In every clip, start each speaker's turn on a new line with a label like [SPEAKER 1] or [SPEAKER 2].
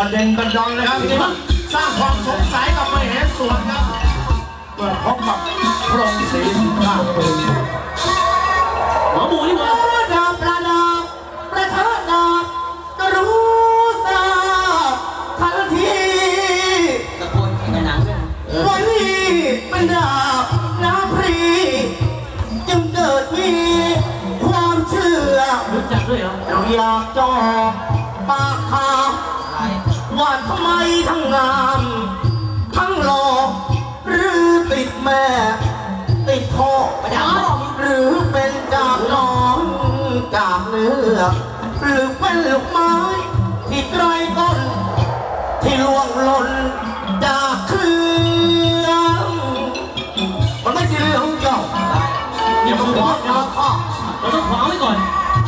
[SPEAKER 1] ประเด็นประดอนเลยครับที่สร้างความสงสัยกับมเหสวนครับเมื่อพบกับพระองค์ศรีข้าปืน
[SPEAKER 2] หมอหมูนี่หว่า
[SPEAKER 3] ดาบประดับประทัดดาบก็รู้ทราบทันที
[SPEAKER 2] ตะโกนแข่งกันหนังด้วย
[SPEAKER 3] วันนี้เป็นดาบน้ำพรีจึงเกิดมีความเชื่อ
[SPEAKER 2] รู้จักด้วยเหรอ
[SPEAKER 3] เราอยากจอบปากคาว่าทำไมทั้งงามทั้งหล่อหรือติดแม่ติดพ่อหรือเป็นจากน้องจากเนื้อหรือเป็นลูกไม้ที่ไกลต้นที่ล่วงหล่นจากเครื่องมันไม่ใช่เรื่องของเจ้า
[SPEAKER 2] อย่ามาขวางเราต้องขวางไว้ก่อน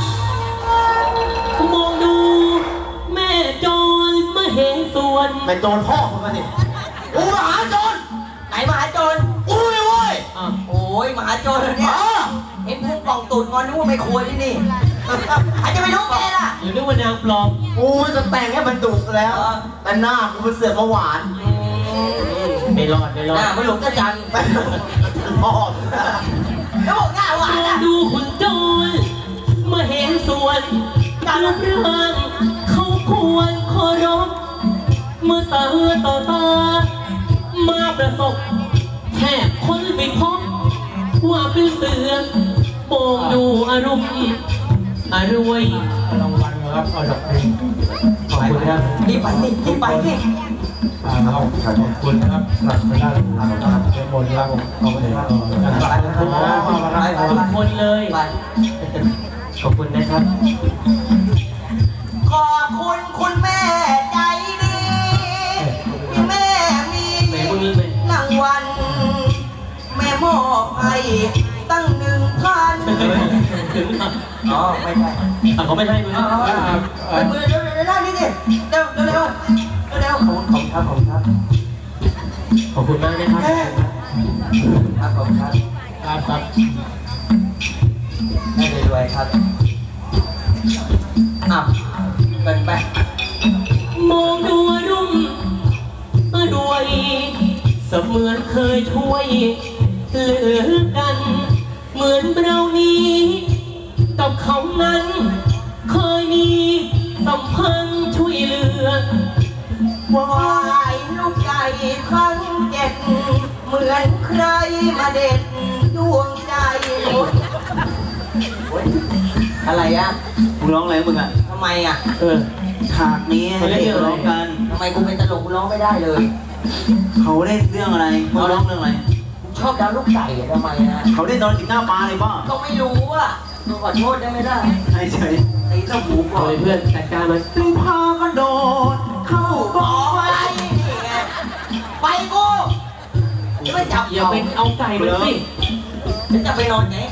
[SPEAKER 2] มองดูแม่โจรมาเห็นส่วน
[SPEAKER 3] แม่โจรพ่อคุณมาสิกูมหาโจร
[SPEAKER 4] ไหนมหาโจร
[SPEAKER 3] กูเลยเว้ย
[SPEAKER 4] โอ้ยมหาโจรเนี่ยเห็นพุ่งกล่องตูดงอนนึกว่าไม่ควรที่นี่อาจจะไปรู้แกล่ะ
[SPEAKER 2] หรือนึกว่านางปลอม
[SPEAKER 3] กูจะแต่งให้มันดุแล้วแต่หน้ากูเป็นเสือกมาหวาน
[SPEAKER 2] ไม่รอด
[SPEAKER 4] หน้ามันหลงกระจัน
[SPEAKER 3] พ่อ
[SPEAKER 4] แล้วบอกหน้าหวานนะ
[SPEAKER 2] ดูขุนโจรมาเห็นส่วนการเรื่องเขาควรเคารพเมื่อตาต่อตามาประสบแทบคนไม่พบว่าเป็นเสือโป่งดูอารมณ์อรวย
[SPEAKER 1] รางวัลครับเอาจากเพลง
[SPEAKER 2] ขอบคุณครับ
[SPEAKER 4] รีบไปนี่รีบไปนี่
[SPEAKER 1] ขอบคุณนะครับหลักไปได้ในบนล่างเอาไปไหน
[SPEAKER 2] ทุกคนเลยขอบคุณนะครับ
[SPEAKER 4] ขอบคุณคุณแม่ใจดีที่แม่มีรางวัลแม่มอบให้ตั้ง1,000อ๋อไม่ใช่
[SPEAKER 2] เขาไม่ใช่มือ
[SPEAKER 4] มือเร็วนี่ดิเร็วขอบคุณครับ
[SPEAKER 2] ขอบคุณมากนะครับ
[SPEAKER 4] ขอบคุณครับได้รวยครับเป็นไป
[SPEAKER 2] มองดูรุ่มด้วยเสมือนเคยช่วยเหลือกันเหมือนเรานี้กับเขานั้นเคยมีสัมพันธ์ช่วยเหลือ
[SPEAKER 4] วายลูกใหญ่ครั้ง7เหมือนใครมาเด็ดดวงใจอะไรอ่ะ
[SPEAKER 3] มึงร้องอะไรมึงอ่ะ
[SPEAKER 4] ทำไมอ่ะ
[SPEAKER 3] ฉากนี้ให้เด็กร้องกัน
[SPEAKER 4] ทำไมกูเป็นตลกกูร้องไม่ได้เลย
[SPEAKER 3] เขาเล่นเรื่องอะไรเขาร้องเรื่องอะไร
[SPEAKER 4] ชอบดาวลูกไก่ทำไมนะ
[SPEAKER 3] เขาเล่นตอนถึงหน้าปลาเลยป่ะ
[SPEAKER 4] ก็ไม่รู้อ่ะกูขอโทษได้ไม่ได้
[SPEAKER 3] ใช่ใช่
[SPEAKER 4] ตีเจ้าหมูก่อน
[SPEAKER 2] เพื่อนจัดการมัน
[SPEAKER 3] ตึงพากันโดดเข้ากองไฟ
[SPEAKER 4] ไปกูไม่จับ
[SPEAKER 2] อย่าไปเอาไก่มาสิ
[SPEAKER 4] จะไปนอนไง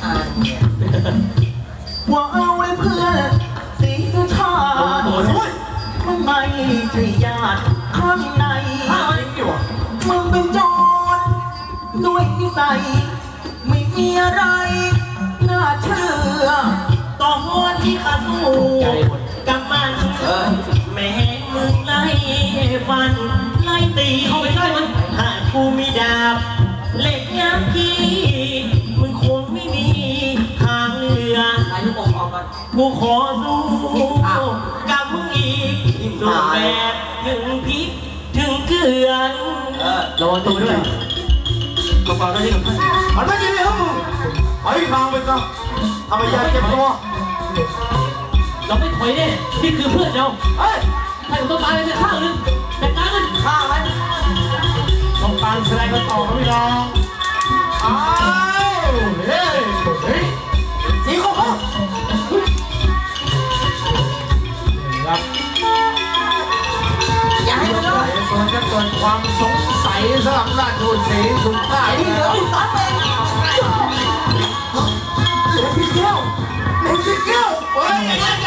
[SPEAKER 3] ว่าเอาไว้เพื่อนสีสุชาติมันไม่ใช่ญาติข้างในมึงเป็นโจรด้วยนิสัยไม่มีอะไรน่าเชื่อต่อหัวที่ขาสู้กับมันแม่มึงไล่ฟันไล่ตี
[SPEAKER 2] เข้าไปใกล้มัน
[SPEAKER 3] หากกูมีดาบเหล็กยามกี้มึงคงไม่มีทางเลือกูขอสู้กับมึงอีกสู้แบบถึงพริกถึงเกลือ
[SPEAKER 2] ระวังตัวด้วย
[SPEAKER 3] กระเป๋าได้ที่กับท่านมันไม่ดีเลยครับมึงไปทางไปซะทำไมยากเก็บตัว
[SPEAKER 2] เราไม่ถอยแน่นี่คือเพื่อนเราให้ผมต้องตายไปข้างนึงแต่การมัน
[SPEAKER 4] ข้างมัน
[SPEAKER 3] ต้องการแสดงกันต่อครับพี่น้องอ้าวเฮ้ยสีขาว
[SPEAKER 4] อย่าให้มันเลย
[SPEAKER 1] ส่วนจะเกิดความสงสัยสำหรับราชบุตรศรีสุภาพ
[SPEAKER 4] ที่เหลือที่ตัดไป
[SPEAKER 3] เหลือที่เกี้ยวเฮ้ย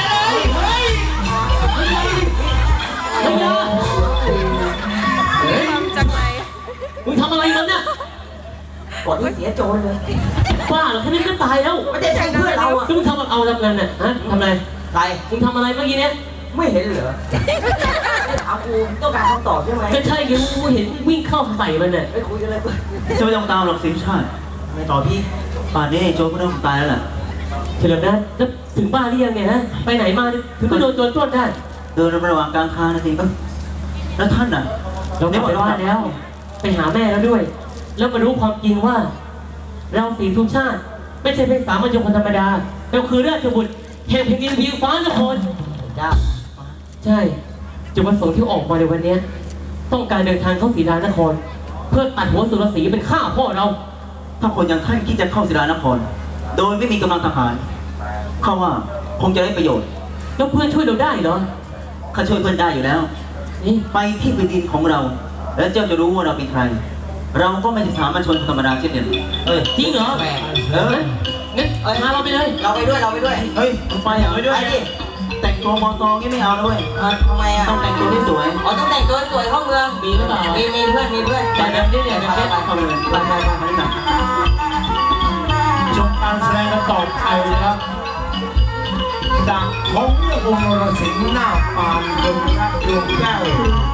[SPEAKER 2] จากไหนมึงทำอะไรมันเนี่ย
[SPEAKER 4] กดที่เสียโจรเลย
[SPEAKER 2] บ้าเหรอแค่นี้ก็ตายแล้ว
[SPEAKER 4] ไม่ได้ใช่เพื่อนเราอ่ะ
[SPEAKER 2] มึงทำเอาทำงานน่ะฮะทำอะไร
[SPEAKER 4] ใคร
[SPEAKER 2] มึงทำอะไรเมื่อกี้เนี้ย
[SPEAKER 4] ไม่เห็นเหรอถามกูต้องการคำตอบใช่ไหม
[SPEAKER 2] ก็ใช่ยังกูเห็นวิ่งเข้าใส่มันเนี่ย
[SPEAKER 4] ไม่คุยกันเลยเพื่อน
[SPEAKER 3] จะไม่ต้องตามหรอกสิชาติ
[SPEAKER 4] ไม่ตอบพี่
[SPEAKER 3] ป่านนี้โจ๊กก็ต้องตายแล้วล่ะ
[SPEAKER 2] เฉลิมนะแล้วถึงบ้านหรือยังเนี่ยฮะไปไหนมาถึงไม่โดนโจรปล้นได้
[SPEAKER 3] เดินระหว่างกลางคานาทีก็แล้วท่านน่ะ
[SPEAKER 2] เรากลับไปบ้านแล้ว ไปหาแม่แล้วด้วย แล้วมารู้ความจริงว่า เราสีทุกชาติ ไม่ใช่เป็นสามัญชนคนธรรมดาเราคือราชบุตรแห่งแผ่นดินวิวฟ้านคร
[SPEAKER 4] จ้า
[SPEAKER 2] ใช่จุดประสงค์ที่ออกมาในวันเนี้ยต้องการเดินทางเข้าศรีดานคร เพื่อตัดหัวสุรศรีเป็นข้าพ่อเรา
[SPEAKER 3] ถ้าคนอย่างท่านคิดจะเข้าศิลานคร โดยไม่มีกำลังทหารข้าว่าคงจะได้ประโยชน์
[SPEAKER 2] แล้วเพื่อนช่วยเราได้เหรอ
[SPEAKER 3] ข้าช่วยเพื่อนได้อยู่แล้ว
[SPEAKER 2] นี่
[SPEAKER 3] ไปที่แผ่นดินของเรา แล้วเจ้าจะรู้ว่าเราเป็นใคร เราก็ไม่ใช่สามัญชนธรรมดาเช่นเดียวกันเอ้ย
[SPEAKER 2] จริงเหรอ
[SPEAKER 4] แหม
[SPEAKER 2] งั้นพาเราไปเลย
[SPEAKER 4] เราไปด้วยเราไปด้วย
[SPEAKER 3] เฮ้ยมึงไปเหรอ
[SPEAKER 4] ไปดิ
[SPEAKER 3] แต่งตัวมอซองนี่ไม่เอานะเว้ย
[SPEAKER 4] ทำไมอ่ะ
[SPEAKER 3] ต้องแต่งตัวให้สวย
[SPEAKER 4] อ๋อต้องแต่งตัวสวยเข้าเมือง
[SPEAKER 2] มีหรือเปล่า
[SPEAKER 4] มีเพื่อนมีเพื่อน
[SPEAKER 2] แต่แบบนี้เนี่ยแบบนี้
[SPEAKER 3] เข้าไปเลยไปไปไปไปหนัก
[SPEAKER 1] ชมการแสดงกันต่อไปนะครับจากของเรื่ององค์นรสิงห์หน้าปานบนพระดวงแก้ว